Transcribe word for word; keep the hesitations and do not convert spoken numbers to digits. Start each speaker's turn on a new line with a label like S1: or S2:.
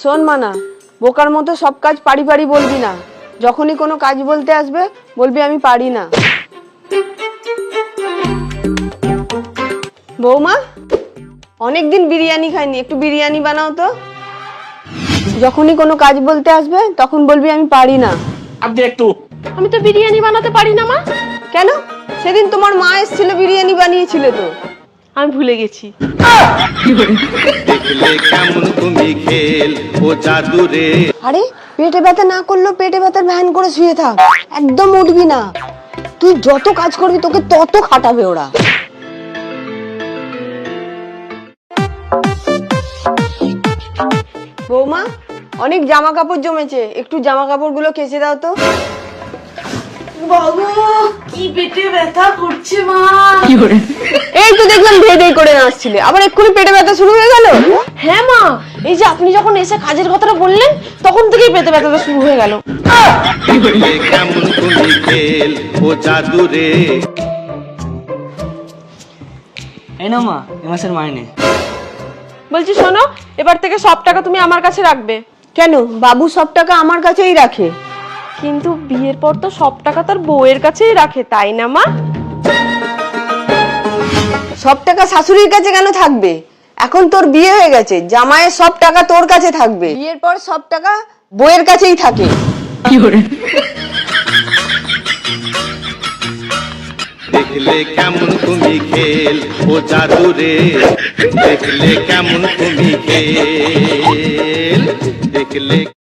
S1: শোন মানা, বোকার মতো সব কাজ পারি পারি বলবি না। যখনই কোনো কাজ বলতে আসবে বলবি আমি পারি না। বৌমা, অনেকদিন বিরিয়ানি খাইনি, একটু বিরিয়ানি বানাও তো। যখনই কোনো কাজ বলতে আসবে তখন বলবি আমি পারি না।
S2: আপনি একটু
S3: আমি তো বিরিয়ানি বানাতে পারি না মা।
S1: কেন? সেদিন তোমার মা এসেছিল, বিরিয়ানি বানিয়েছিল তো।
S3: আমি ভুলে গেছি।
S4: দেখলে কেমন তুমি খেল ও জাদু রে।
S1: আরে পেটে ব্যথা না করলেও পেটে ব্যথার ভ্যান করে শুয়ে থাক, একদম উঠবি না। তুই যত কাজ করবি তোকে তত খাটাবে ওরা। বৌমা, অনেক জামা কাপড় জমেছে, একটু জামা কাপড় গুলো কেচে দাও তো।
S3: বাবু কি পেটে ব্যথা করছে মা।
S1: এই তো দেখলাম ধেই ধেই করে নাচছিলে, আবার এক্ষুনি পেটে ব্যথা শুরু হয়ে গেল।
S3: হ্যাঁ মা, এই যে আপনি যখন এসে কাজের কথাটা বললেন তখন থেকেই পেটে ব্যথাটা শুরু হয়ে গেল।
S4: দেখলে কেমন তুমি খেল ও জাদু রে।
S2: এই না মা, এ মাসের মাইনে।
S3: বলছি শোনো, এবার থেকে সব টাকা তুমি আমার কাছে রাখবে।
S1: কেন? বাবু সব টাকা আমার কাছেই রাখে।
S3: কিন্তু বিয়ের পর তো সব টাকা তার বউয়ের কাছেই রাখে, তাই না মা?
S1: সব টাকা শাশুড়ির কাছে কেন থাকবে? এখন তোর বিয়ে হয়ে গেছে, জামাইয়ের সব টাকা তোর কাছে থাকবে। বিয়ের পর সব টাকা বউয়ের কাছেই থাকে।
S4: দেখলে কেমন তুমি খেল ও জাদু রে। দেখলে কেমন তুমি খেল, দেখলে